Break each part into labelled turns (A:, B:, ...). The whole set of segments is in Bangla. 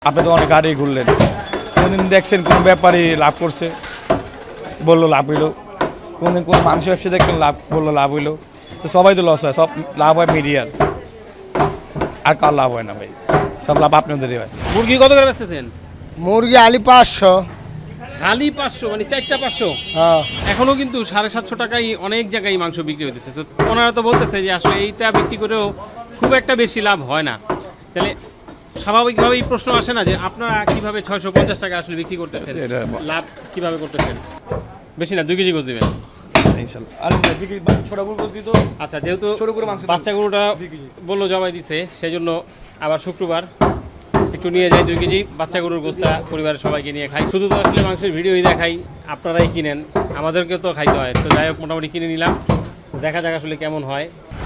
A: আপনি তো অনেক গাড়ি ঘুরলেন, কোনদিন দেখছেন কোনো ব্যাপারী লাভ করছে বললো লাভ হইলো, কোনদিন কোনো মাংস ব্যবসা দেখলেন লাভ বললো লাভ হইলো? তো সবাই তো লস হয়, সব লাভ হয় মিডিয়ার, আর কার লাভ হয় না ভাই, সব লাভ আপনাদেরই হয়।
B: মুরগি কত করে বেচতেছেন?
C: মুরগি আলি 500।
B: খালি 500, মানে 4টা 500?
C: হ্যাঁ,
B: এখনো কিন্তু 750 টাকায় অনেক জায়গায় মাংস বিক্রি হইতেছে। তো ওনারা তো বলতেছে যে আসলে এইটা বিক্রি করেও খুব একটা বেশি লাভ হয় না। তাহলে স্বাভাবিকভাবেই প্রশ্ন আসে না যে আপনারা কিভাবে 650 টাকা আসলে বিক্রি করতেছেন,
A: এটা
B: লাভ কিভাবে করতেছেন? বেশি না, 2 কেজি গোছ দিবেন
A: ইনশাল্লাহ। আর ছোট গরু বলছি তো,
B: আচ্ছা। যেহেতু
A: ছোট করে মাংস
B: বাচ্চা গরুটা বললো জবাই দিছে, সেই জন্য আবার শুক্রবার একটু নিয়ে যাই 2 কেজি বাচ্চা গরুর গোস্তা, পরিবারের সবাইকে নিয়ে খাই। শুধু তো আসলে মাংসের ভিডিওই দেখাই, আপনারাই কিনেন, আমাদেরকেও তো খাইতে হয়। তো যাই হোক, মোটামুটি কিনে নিলাম, দেখা যাক আসলে কেমন হয়।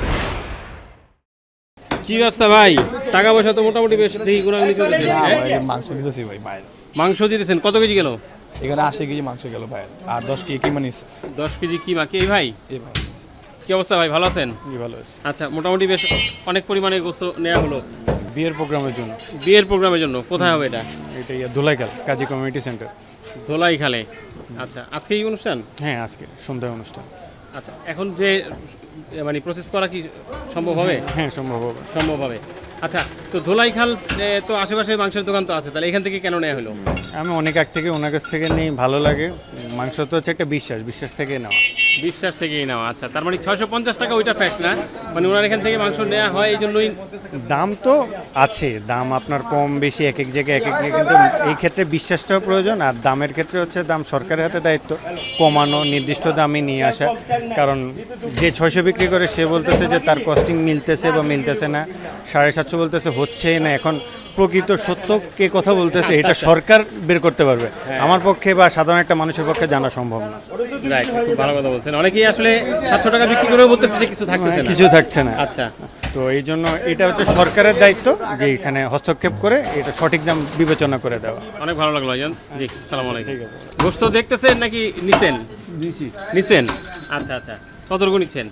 B: কি রাস্তা ভাই, টাকা পয়সা তো মোটামুটি বেশ দেখি ঘোরাঘুরি চলতেছে।
A: মাংস দিতেছি ভাই বাইরে।
B: মাংস দিতেছেন, কত কেজি গেল?
A: এখানে 80 কেজি মাংস গেল ভাই, আর 10 কেজি কি মানিস
B: 10 কেজি কি মাকে এই ভাই?
A: এই ভাই
B: কি অবস্থা ভাই, ভালো আছেন?
A: কি ভালো আছে।
B: আচ্ছা, মোটামুটি বেশ অনেক পরিমাণে গোস্ত নেওয়া হলো
A: বিয়ের প্রোগ্রামের জন্য।
B: বিয়ের প্রোগ্রামের জন্য। কোথায় হবে এটা?
A: এটা ধুলাইখাল কাজী কমিউনিটি সেন্টার।
B: ধোলাই খালে। আচ্ছা, আজকে এই অনুষ্ঠান?
A: হ্যাঁ, আজকে সন্ধ্যায় অনুষ্ঠান।
B: আচ্ছা, এখন যে মানে প্রসেস করা কি সম্ভব হবে?
A: হ্যাঁ, সম্ভব হবে।
B: সম্ভব হবে। আচ্ছা, তো ধোলাইখাল তো আশেপাশে মাংসের দোকান তো আছে, তাহলে এখান থেকে কেন নেওয়া হলো?
D: আমি অনেক আগ থেকে ওনার কাছ থেকে নিই, ভালো লাগে। মাংস তো হচ্ছে একটা বিশ্বাস থেকে নেওয়া।
B: বিশ্বাস থেকেই নেওয়া। আচ্ছা, তার মানে 650 টাকা ওইটা ফ্যাক্ট না, মানে ওনার এখান থেকে মাংস নেওয়া হয় এই জন্যই।
D: দাম তো আছে, দাম আপনার কম বেশি এক এক জায়গায় কিন্তু এই ক্ষেত্রে বিশ্বাসটাও প্রয়োজন। আর দামের ক্ষেত্রে হচ্ছে দাম সরকারের হাতে দায়িত্ব, কমানো, নির্দিষ্ট দামে নিয়ে আসা। কারণ যে 600 বিক্রি করে সে বলতেছে যে তার কস্টিং মিলতেছে বা মিলতেছে না, 750 বলতেছে হচ্ছে না। এখন প্রকৃত সত্য কে কথা বলতেছে এটা সরকার বের করতে পারবে, আমার পক্ষে বা সাধারণ একটা মানুষের পক্ষে জানা সম্ভব না।
B: রাইট, খুব ভালো কথা বলছেন। অনেকেই আসলে 700 টাকা বিক্রি করেও বলতেছে যে কিছু থাকতেছে না,
D: কিছু থাকছে না।
B: আচ্ছা,
D: তো এই জন্য এটা হচ্ছে সরকারের দায়িত্ব যে এখানে হস্তক্ষেপ করে এটা সঠিক দাম বিবেচনা করে দেওয়া।
B: অনেক ভালো লাগলো ভাইজান। জি, আসসালামু আলাইকুম। গোশত দেখতেছেন নাকি নিছেন? নিছেন। আচ্ছা আচ্ছা, কতটুকু নিচ্ছেন?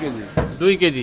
B: 2 কেজি।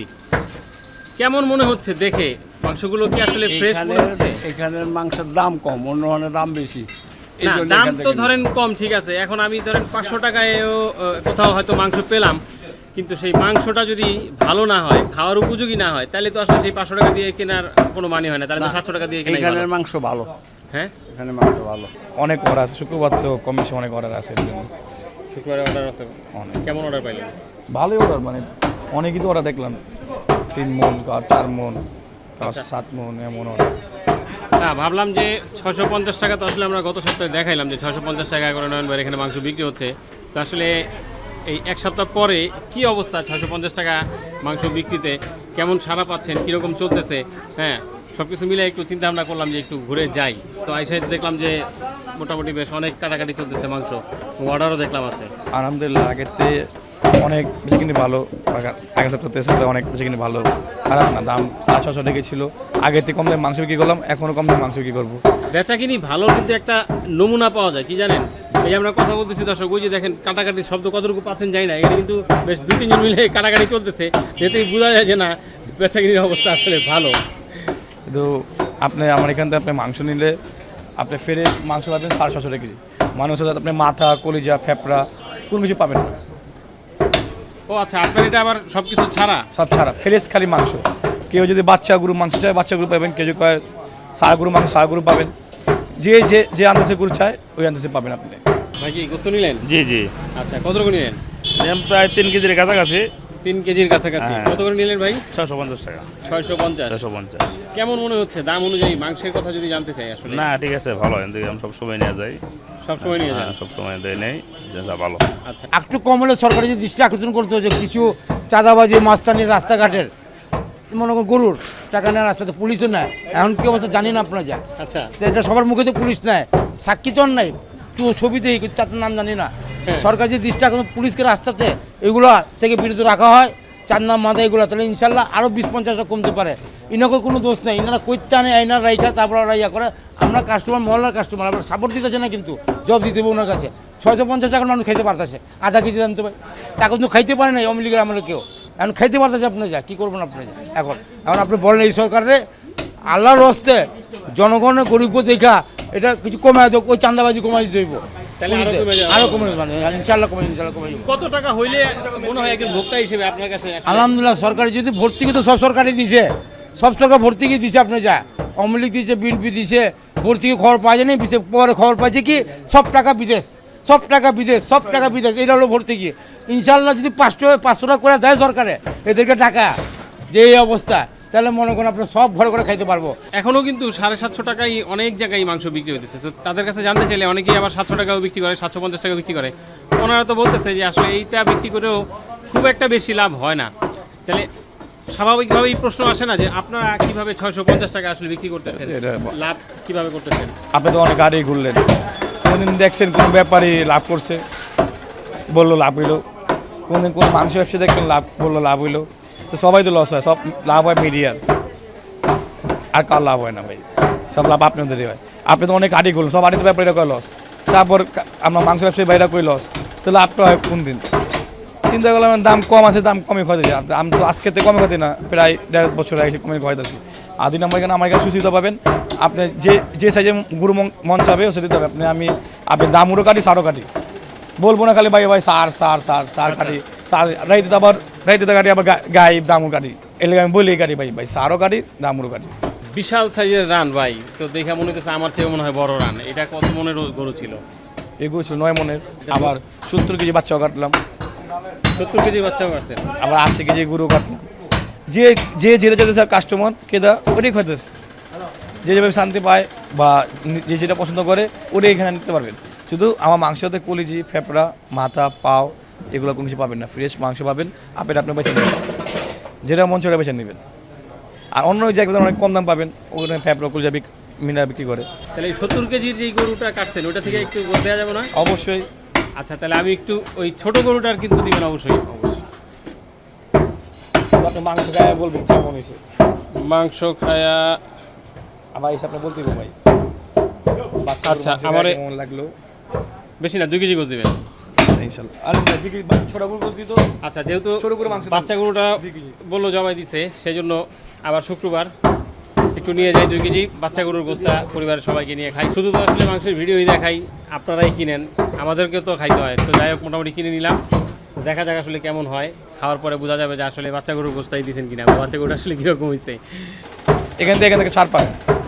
B: কেমন মনে হচ্ছে দেখে? মাংসগুলো কি আসলে ফ্রেশ মনে হচ্ছে?
C: এখানের মাংসের দাম কম, অন্য দাম বেশি। এই
B: না,
C: জন্য
B: দাম
C: এখান
B: তো
C: থেকে
B: ধরেন কম, ঠিক আছে। এখন আমি ধরেন 500 টাকায়ও কোথাও হয়তো মাংস পেলাম, কিন্তু সেই মাংসটা যদি ভালো না হয়, খাওয়ার উপযোগী না হয়, তাহলে তো আসলে সেই 500 টাকা দিয়ে কেনার কোনো মানে হয় না। তাহলে তো 700 টাকা দিয়ে কেনাই ভালো।
C: এখানের মাংস ভালো।
B: হ্যাঁ,
C: এখানে মাংস ভালো।
A: অনেক অর্ডার আছে, শুক্রবার তো কম বেশি অনেক অর্ডার আছে।
B: শুক্রবারে অর্ডার আছে
A: অনেক।
B: কেমন অর্ডার পাইলেন?
A: ভালোই অর্ডার, মানে অনেকই তো অর্ডার দেখলাম, 3 মন আর 4 মন আর 7 মন এমন অর্ডার।
B: না, ভাবলাম যে 650 টাকা তো আসলে আমরা গত সপ্তাহে দেখাইলাম যে 650 টাকা করে নয়নবার এখানে মাংস বিক্রি হচ্ছে। তো আসলে এই এক সপ্তাহ পরে কি অবস্থা 650 টাকা মাংস বিক্রিতে, কেমন সাড়া পাচ্ছেন, কীরকম চলতেছে? হ্যাঁ, সব কিছু মিলে একটু চিন্তা ভাবনা করলাম যে একটু ঘুরে যাই। তো আইসা দেখলাম যে মোটামুটি বেশ অনেক কাটাকাটি চলতেছে, মাংস অর্ডারও দেখলাম আছে।
A: আলহামদুলিল্লাহ, আগেতে অনেক বেশি কিনে ভালো, আগের সপ্তাহে সাথে অনেক বেশি কিনে ভালো, খারাপ না। দাম 700 টাকা ছিল, আগের থেকে কম দামে মাংস বিক্রি করলাম, এখনও কম দামে মাংস বিক্রি করবো।
B: বেচা কিনি ভালো, কিন্তু একটা নমুনা পাওয়া যায় কি জানেন? এই যে আমরা কথা বলতেছি দর্শক, ওই যে দেখেন কাটাকাটির শব্দ কতটুকু পাচ্ছেন যাই না, এটা কিন্তু বেশ 2-3 জন মিলে কাটাকাটি চলতেছে, এতে বোঝা যায় যে না, বেচা কিনির অবস্থা আসলে ভালো।
A: কিন্তু আপনি আমার এখান থেকে আপনি মাংস নিলে আপনি ফেরে মাংস পাবেন 750 টাকা কেজি। মানুষ সাথে আপনি মাথা, কলিজা, ফেপড়া কোনো কিছু পাবেন না।
B: ও আচ্ছা, আপনার এটা আবার সব কিছু ছাড়া?
A: সব ছাড়া, ফ্রেশ খালি মাংস। কেউ যদি বাচ্চা গরু মাংস চায় বাচ্চা গরু পাবেন, কেউ যদি কয় ষাঁড় গরু মাংস ষাঁড় গরু পাবেন। যে যে যে আন্দাজে গরু চায় ওই আন্দাজে পাবেন আপনি।
B: ভাই কি গোস্ত নিলেন?
E: জি জি,
B: আচ্ছা, কতটুকু নিলেন?
E: প্রায় 3 কেজির কাছাকাছি।
B: 3 কেজির কাছাকাছি।
E: হ্যাঁ।
B: কত করে নিলেন ভাই?
E: 650 টাকা।
B: 650।
E: 650।
B: কেমন মনে হচ্ছে দাম অনুযায়ী মাংসের কথা যদি জানতে চাই আসলে?
E: না, ঠিক আছে, ভালো। এখান থেকে আমি সবসময় নিয়ে যাই।
B: সবসময় নিয়ে যান?
E: সবসময় দেয় নেই, যেটা ভালো।
B: আচ্ছা,
C: একটু কম হলে সরকারি যে দৃষ্টি আকর্ষণ করতে হচ্ছে, কিছু চাঁদাবাজি মাস্তানির রাস্তাঘাটের, মনে করুন গরুর টাকা নেয় রাস্তাতে, পুলিশও নেয়। এখন কি অবস্থা জানি না আপনারা যান।
B: আচ্ছা,
C: তো এটা সবার মুখে তো পুলিশ নেয়, সাক্ষী তো আর নাই, ছবিতেই চারটার নাম জানি না। সরকার যে দৃষ্টি আকর্ষণ পুলিশকে রাস্তাতে এগুলো থেকে বিরত রাখা হয়, চার নাম মাথা এগুলো, তাহলে ইনশাল্লাহ আরও 20-50 কমতে পারে। ইনাকে কোনো দোষ নেই, ইনারা কৈত্যা আনে আইনার রাইখা তারপর ওরা ইয়া করে। আমরা কাস্টমার, মহল্লার কাস্টমার, আমরা সাপোর্ট দিতেছে না, কিন্তু জব দিতে হবে ওনার কাছে। 650 টাকার মানুষ খাইতে পারতেছে, আধা কেজি দাম তো ভাই টাকা কিন্তু খাইতে পারে না আওয়ামী লীগের আমলে কেউ। এখন খাইতে পারতেছে, আপনি যা কী করবেন আপনি যা। এখন এখন আপনি বলেন এই সরকারে আল্লাহর হস্তে জনগণের গরিব দেখা এটা কিছু কমে দেবো, ওই চান্দাবাজি কমাই দিতে হইব,
B: তাহলে আরো কমে যাবে।
C: আরো কমে মানে ইনশাল্লাহ কমে যাবে।
B: কত টাকা হইলে মনে হয় একজন ভোক্তা হিসেবে আপনার কাছে আসলে-
C: আলহামদুলিল্লাহ সরকারি যদি ভর্তুকি তো সব সরকারই দিছে, সব সরকার ভর্তুকি দিছে, আপনি যা আওয়ামী লীগ দিছে, বিএনপি দিছে, ভর্তুকি খবর পাওয়া যায়নি, পরে খবর পাইছে কি সব টাকা বিদেশ, সব টাকা বিদেশ, সব টাকা বিদেশ, এটা হলো ভর্তুকি। ইনশাল্লাহ যদি 500 টাকা করে দেয় সরকারে এদেরকে টাকা, যে এই অবস্থা, তাহলে মনে করেন আপনার সব ঘরে করে খাইতে পারবো।
B: এখনো কিন্তু 750 টাকায় অনেক জায়গায় মাংস বিক্রি হতেছে। তো তাদের কাছে জানতে চাইলে অনেকেই আবার 700 টাকাও বিক্রি করে, 750 টাকা বিক্রি করে। ওনারা তো বলতেছে যে আসলে এইটা বিক্রি করেও খুব একটা বেশি লাভ হয় না। তাহলে স্বাভাবিকভাবেই প্রশ্ন আসে না যে আপনারা কিভাবে 650 টাকা আসলে বিক্রি করতেছেন,
A: এটা
B: লাভ কিভাবে করতেছেন?
A: আপনি তো অনেক গাড়ি ঘুরলেন, কোনদিন দেখছেন কোনো ব্যাপারী লাভ করছে, বললো লাভ হইলো, কোনদিন কোনো মাংস ব্যবসা দেখলেন লাভ, বললো লাভ হইলো। তো সবাই তো লস হয়, সব লাভ হয় মিডিয়ার, আর কার লাভ হয় না ভাই, সব লাভ আপনাদেরই হয়। আপনি তো অনেক গাড়ি ঘুরলেন, সব গাড়িতে ব্যাপারীরা কয় লস, তারপর আমরা মাংস ব্যবসায়ী বাইরা কই লস, তো লাভটা হয় কোন দিন? চিন্তা করলাম দাম কম আছে, দাম কমই খাইতেছি। আমি তো আজকে তো কমে খাইতে না, প্রায় 1.5 বছর আগে কমে খাইতেছি। আর 2 নম্বর এখানে আমার কাছে সুবিধা পাবেন, আপনি যে সাইজে গুরু মন চাবে ও সেটা দেবে। আপনি দামুরও কাটি, সারও কাটি, বলবো না খালি ভাই ভাই সার কাটি, সার রাইতে কাটি, আবার গাই দামুর কাটি, এলে আমি বলি কাটি ভাই ভাই সারও কাটি, দামুরও কাটি।
B: বিশাল সাইজের রান ভাই, তো দেখা মনে হচ্ছে আমার চেয়ে মনে হয় বড় রান। এটা কত মনের গরু ছিল?
A: এগুলো ছিল 9 মনের, আবার 70 কেজি বাচ্চাও কাটলাম,
B: 70 কেজি বাচ্চাও কাটছেন।
A: আবার 80 কেজি গরু কাটলাম। যে যেটা যেতে স্যার কাস্টমার কেদা ওটাই খাইতেছে, যে যেভাবে শান্তি পায় বা যে যেটা পছন্দ করে ওটাই এখানে নিতে পারবেন। শুধু আমার মাংসতে কলিজি, ফেপড়া, মাথা, পাও এগুলো কোনো কিছু পাবেন না, ফ্রেশ মাংস পাবেন। আপনি বেছে নেবেন, যেটা মন সেটা বেছে নেবেন। আর অন্য জায়গায় অনেক কম দাম পাবেন, ওখানে ফেপড়া কলিজা মিনা বিক্রি করে।
B: তাহলে এই 70 কেজির যে গরুটা কাটছেন ওটা থেকে একটু গোল দেওয়া যাবে না?
A: অবশ্যই।
B: আচ্ছা, তাহলে আমি একটু ওই ছোট গরুটার কিন্তু দিবেন অবশ্যই।
A: আপনি মাংস খায় বলবেন কেমন হয়েছে,
B: মাংস খায়া
A: আবার এসে আপনি বলতে ভাই
B: আচ্ছা আমার
A: কেমন লাগলো।
B: বেশি না 2 কেজি গোস দিবেন
A: ইনশাল্লাহ। আর ছোট গরু বলছি তো,
B: আচ্ছা, যেহেতু
A: ছোট করে মাংস
B: বাচ্চা গরুটা বললো জবাই দিছে, সেই জন্য আবার শুক্রবার একটু নিয়ে যাই 2 কেজি বাচ্চা গরুর গোস্তা, পরিবারের সবাইকে নিয়ে খাই। শুধু তো আসলে মাংসের ভিডিওই দেখাই, আপনারাই কিনেন, আমাদেরকেও তো খাইতে হয়। তো যাই হোক, মোটামুটি কিনে নিলাম, দেখা যাক আসলে কেমন হয়। খাওয়ার পরে বোঝা যাবে যে আসলে বাচ্চা গরুর গোস্তাই দিয়েছেন কিনা, বা বাচ্চা গরুটা আসলে কীরকম হয়েছে।
A: এখান থেকে ছাড় পাবেন।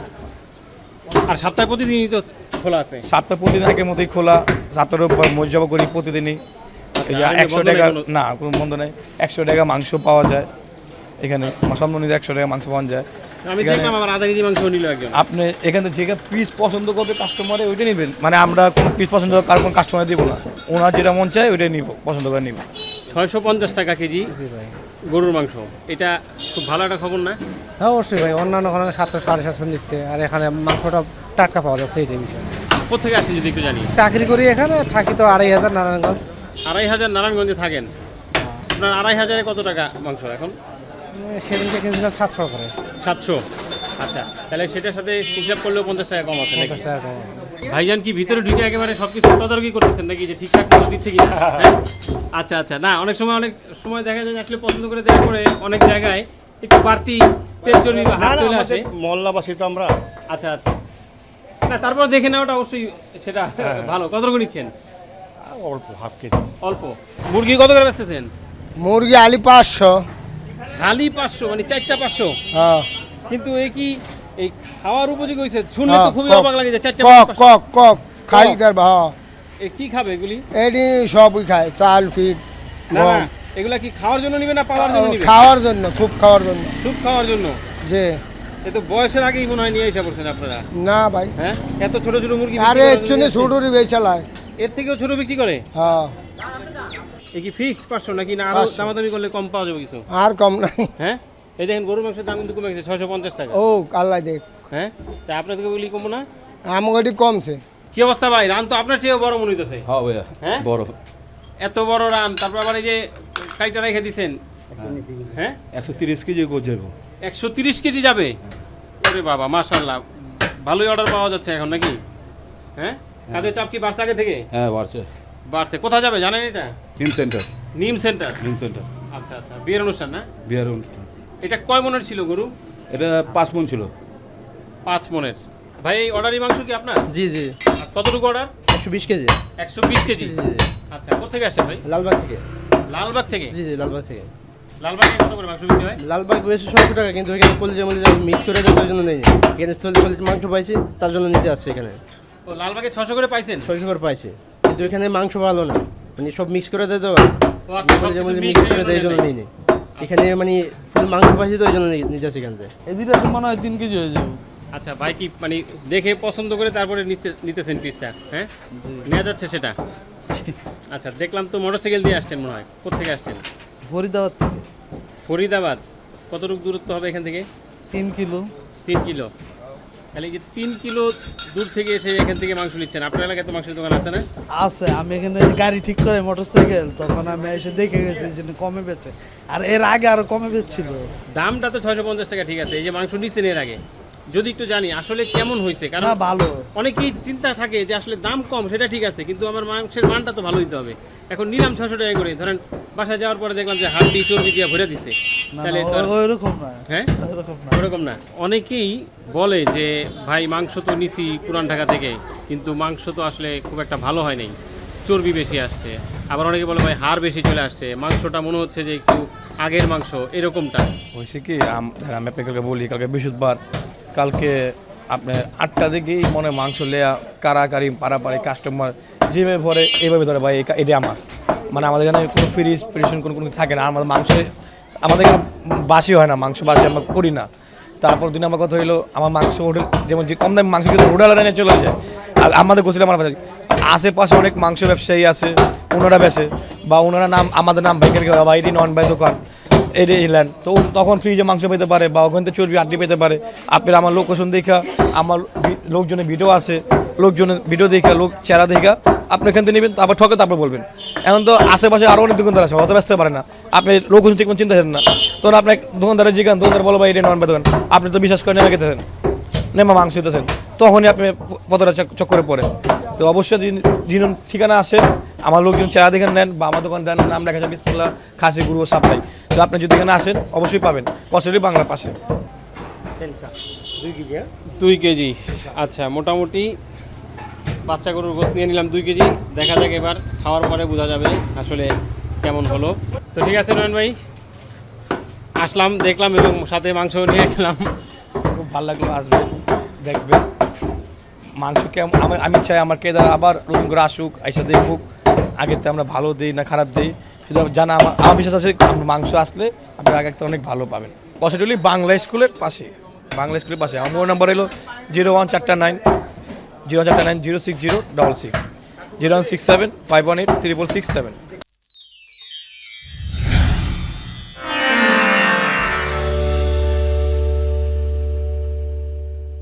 B: আর সপ্তাহে প্রতিদিনই তো খোলা আছে?
A: সপ্তাহ প্রতিদিন আগের মতোই খোলা, সপ্তাহের উপর মর্যাদা করি প্রতিদিনই। এই যে
B: আর এমনি
A: 100
B: বন্ধ
A: টাকা
B: নেই কোনো?
A: না, কোনো বন্ধ নেই। 100 টাকা মাংস পাওয়া যায় এখানে, সম্মানিত 100 টাকা মাংস পাওয়া যায়।
B: আমি
A: এখানে
B: দেখলাম আমার আধা কেজি মাংস নিল একজন।
A: আপনি এখানে যে পিস পছন্দ করবে কাস্টমারে ওইটা নেবেন, মানে আমরা কোনো পিস পছন্দ কার কোনো কাস্টমার দিব না, ওনার যেটা মন চায় ওইটাই নিব, পছন্দ করে নিব।
B: 650 টাকা কেজি গরুর মাংস, এটা খুব ভালো একটা খবর না?
F: হ্যাঁ অবশ্যই ভাই, অন্যান্য ওখানে 700 750 দিচ্ছে, আর এখানে মাংসটা টাটকা পাওয়া যাচ্ছে, এইটাই বিষয়।
B: কোথেকে আসে যদি একটু জানি?
F: চাকরি করি এখানে, থাকি তো 2500 নারায়ণগঞ্জ।
B: 2500 নারায়ণগঞ্জে থাকেন? আপনার 2500-এ কত টাকা মাংস এখন?
F: সেদিনকে কিনছিলাম 700 করে।
B: 700? আচ্ছা, তাহলে সেটার সাথে হিসাব করলেও 50 টাকা কম আছে নাকি?
F: 50 টাকা কম আছে।
B: ভাইজান কি ভিতরে ঢুকে একেবারে সব কিছু তদারকি করতেছেন নাকি, যে ঠিকঠাক মতো দিচ্ছে কিনা? হ্যাঁ? আচ্ছা আচ্ছা, না অনেক সময় দেখা যায় যে আসলে পছন্দ করে দেওয়ার পরে অনেক জায়গায় একটু বাড়তি তেল চর্বি বা হাত চলে আসে।
G: মহল্লাবাসী তো আমরা।
B: আচ্ছা আচ্ছা, না তারপর দেখে নেওয়াটা অবশ্যই সেটা ভালো। কত করে নিচ্ছেন?
G: অল্প হাফ কেজি।
B: অল্প। মুরগি কত করে বেচতেছেন?
F: মুরগি আলি 500।
B: হালি 500, মানে 4টা 500?
F: হ্যাঁ।
B: কিন্তু এই কি এই খাওয়ার উপযোগী হয়েছে? শুনলে তো খুবই অবাক লাগে যে 4টা
F: কক
B: 500।
F: কক কক খাই
B: কক?
F: তার হ্যাঁ।
B: এ কি খাবে এগুলি?
F: এটি সবই খায়, চাল ফিট
B: না না, এগুলা কি খাওয়ার জন্য নিবে না পাওয়ার জন্য নিবে?
F: খাওয়ার জন্য, স্যুপ খাওয়ার জন্য।
B: স্যুপ খাওয়ার জন্য?
F: যে
B: এ তো বয়সের আগেই মনে হয় নিয়ে এসে পড়ছেন আপনারা।
F: না ভাই,
B: হ্যাঁ, এত ছোট ছোট মুরগি বিক্রি
F: আরে
B: করার
F: এর জন্য
B: জন্য
F: ছোটরি বেচালায়।
B: এর থেকেও ছোট বিক্রি করে?
F: হ্যাঁ।
B: এ কি ফিক্সড 500 নাকি না আরো
F: 500
B: দামাদামি করলে কম পাওয়া যাবে কিছু?
F: আর কম নাই।
B: হ্যাঁ, এই দেখেন গরুর মাংসের দাম কিন্তু কমে গেছে 650 টাকা।
F: ও আল্লাহ দেখ,
B: হ্যাঁ, তা আপনাদেরকে বলি কমবো না?
F: আমাকে এটি কমছে।
B: কি অবস্থা ভাই? রান তো আপনার চেয়েও বড় মনে হইতেছে।
H: হ্যাঁ ভাইয়া,
B: হ্যাঁ,
H: বড়
B: এত বড় রান, তারপর আবার এই যে কাইটা রেখে দিছেন। হ্যাঁ,
H: 130 কেজি গোছ যাবো।
B: 130 কেজি যাবে? আরে বাবা, মাশাআল্লাহ, ভালোই অর্ডার পাওয়া যাচ্ছে এখন নাকি? হ্যাঁ, কাজের চাপ কি বাড়ছে আগে থেকে?
H: হ্যাঁ বাড়ছে।
B: বাড়ছে। কোথায় যাবে জানেন এটা?
H: নিম সেন্টার।
B: নিম সেন্টার?
H: নিম সেন্টার
B: আচ্ছা আচ্ছা, বিয়ের অনুষ্ঠান না?
H: বিহার অনুষ্ঠান।
B: এটা কয় মনের ছিল গরু?
H: এটা 5 মণ ছিল।
B: 5 মনের। ভাই এই অর্ডারি মাংস কি আপনার?
F: জি জি
B: কতটুকু অর্ডার?
F: 120 KG
B: 120 KG.
F: জি জি
B: আচ্ছা, কোথেকে আসছে ভাই?
F: লালবাগ থেকে।
B: লালবাগ থেকে।
F: জি জি লালবাগ থেকে।
B: লালবাগে কত করে মাংস বিক্রি হয়?
F: লালবাগ বেশি 100 টাকা, কিন্তু এখানে কলিজা মলিজা মিক্স করে দেয় ওই জন্য নেই। এখানে সলিড মাংস পাইছি তার জন্য নিতে আসছে এখানে।
B: ও লালবাগে 600 করে পাইছেন?
F: 600 করে পাইছি, কিন্তু এখানে মাংস ভালো না, মানে সব মিক্স করে দেয় তো।
B: ও আচ্ছা,
F: কলিজা
B: সবকিছু
F: মলিজা
B: mix
F: মিক্স করে
B: এই
F: দেয় এই জন্য
B: জন্য
F: নেই। এখানে মানে ফুল মাংস পাইছি তো ওই জন্য নিতে আসছে এখান থেকে।
C: এই দুইটা তো মনে হয় 3 কেজি হয়ে যাবে।
B: আচ্ছা ভাই কি মানে দেখে পছন্দ করে তারপরে নিতেছেন পিসটা, হ্যাঁ? নেওয়া যাচ্ছে সেটা? আচ্ছা, দেখলাম তো মোটরসাইকেল দিয়ে আসছেন মনে হয়। কোত্থেকে আসছেন?
C: ফরিদাবাদ থেকে
B: ফরিদাবাদ। কতটুকু দূরত্ব হবে এখান থেকে?
C: 3 কিলো।
B: 3 কিলো। তাহলে যে 3 কিলো দূর থেকে এসে এখান থেকে মাংস নিচ্ছেন। আপনার এলাকায় তো মাংসের দোকান আছে না?
C: আছে, আমি এখানে গাড়ি ঠিক করে মোটরসাইকেল, তখন আমি এসে দেখে গেছি যে কমে বেচে, আর এর আগে আরো কমে বেচছিল।
B: দামটা তো 650 টাকা, ঠিক আছে। এই যে মাংস নিচ্ছেন এর আগে, যদি একটু জানি আসলে কেমন হয়েছে, কারণ
C: না ভালো,
B: অনেকেই চিন্তা থাকে যে আসলে দাম কম সেটা ঠিক আছে, কিন্তু আমার মাংসের মানটা তো ভালো হইতে হবে। এখন নিলাম 600 টাকা করে, ধরেন বাসায় যাওয়ার পরে দেখলাম যে হাড্ডি চর্বি দিয়ে ভরে দিছে,
C: না
B: তাহলে তো আর-
C: ওইরকম না,
B: হ্যাঁ
C: ওইরকম না।
B: ওরকম না। অনেকেই বলে যে ভাই মাংস তো নিছি পুরান ঢাকা থেকে, কিন্তু মাংস তো আসলে খুব একটা ভালো হয় নাই, চর্বি বেশি আসছে। আবার অনেকে বলে ভাই হাড় বেশি চলে আসছে, মাংসটা মনে হচ্ছে যে একটু আগের মাংস, এরকমটা।
A: হয়েছে কি আমি আপনাকে বলি, কালকে বৃহস্পতিবার, কালকে আপনার 8টা দিকেই মনে হয় মাংস লেয়া কারাকারি পাড়াপাড়ি কাস্টমার যেভাবে ভরে এইভাবে ধরে ভাই এটা আমার, মানে আমাদের এখানে কোনো ফ্রিজ ফ্রিজেশন কোনো কোনো থাকে না। আমাদের মাংসে আমাদের এখানে বাসি হয় না, মাংস বাসি আমরা করি না। তারপর দিন আমার কথা হইলো আমার মাংস হোটেল, যেমন যে কম দামি মাংস কিন্তু হোটেল এনে চলে যায়, আর আমাদের গোসলে আমার আশেপাশে অনেক মাংস ব্যবসায়ী আছে, ওনারা বেছে বা ওনারা নাম আমাদের নাম ভেঙে রেখে বা এটি নন ভাই দোকান এটা ইলেন, তো তখন ফ্রিজে মাংস পেতে পারে বা ওখান থেকে চর্বি আড্ডি পেতে পারে। আপনার আমার লোকেশন দেখা, আমার লোকজনের ভিডিও আছে, লোকজনের ভিডিও দেখা, লোক চেহারা দেখা আপনি এখান থেকে নেবেন, তারপর ঠকে তারপর বলবেন। এখন তো আশেপাশে আরও অনেক দোকানদার আছে, অত ব্যস্ত পারে না, আপনি লোকেশন ঠিক চিন্তা করেন না, তখন আপনার দোকানদারের জিজ্ঞান, দোকানদার বলো ভাই এটা নন ভাই দোকান, আপনি তো বিশ্বাস করে নেমে গেছেন, নেমা মাংস দিতেছেন, তখনই আপনি পতটা চক্করে পড়েন। তো অবশ্যই যিনি ঠিকানা আসেন, আমার লোকজন চেহারা দেখে নেন বা আমার দোকান দেন, নাম লেখা যায় বিসমিল্লাহ খাসি গুরু সাপ্লাই। তো আপনি যদি এখানে আসেন অবশ্যই পাবেন, কচুরি বাংলার পাশে।
B: 2 কেজি। আচ্ছা, মোটামুটি বাচ্চা গরুর গোস্ত নিয়ে নিলাম 2 কেজি। দেখা যাক এবার খাওয়ার পরে বোঝা যাবে আসলে কেমন হলো। তো ঠিক আছে নয়ন ভাই, আসলাম, দেখলাম এবং সাথে মাংস নিয়ে গেলাম।
A: খুব ভালো লাগলো, আসবেন দেখবেন মাংস কেমন। আমি চাই আমার কেদার আবার নতুন করে আসুক, এসে দেখুক আগের থেকে আমরা ভালো দিই না খারাপ দিই, শুধু জানা আমার বিশ্বাস আছে মাংস আসলে আপনি আগে থেকে অনেক ভালো পাবেন। কষাটুলি বাংলা স্কুলের পাশে, বাংলা স্কুলের পাশে। আমার মোবাইল নাম্বার হলো 01449 06066 0167 518 667।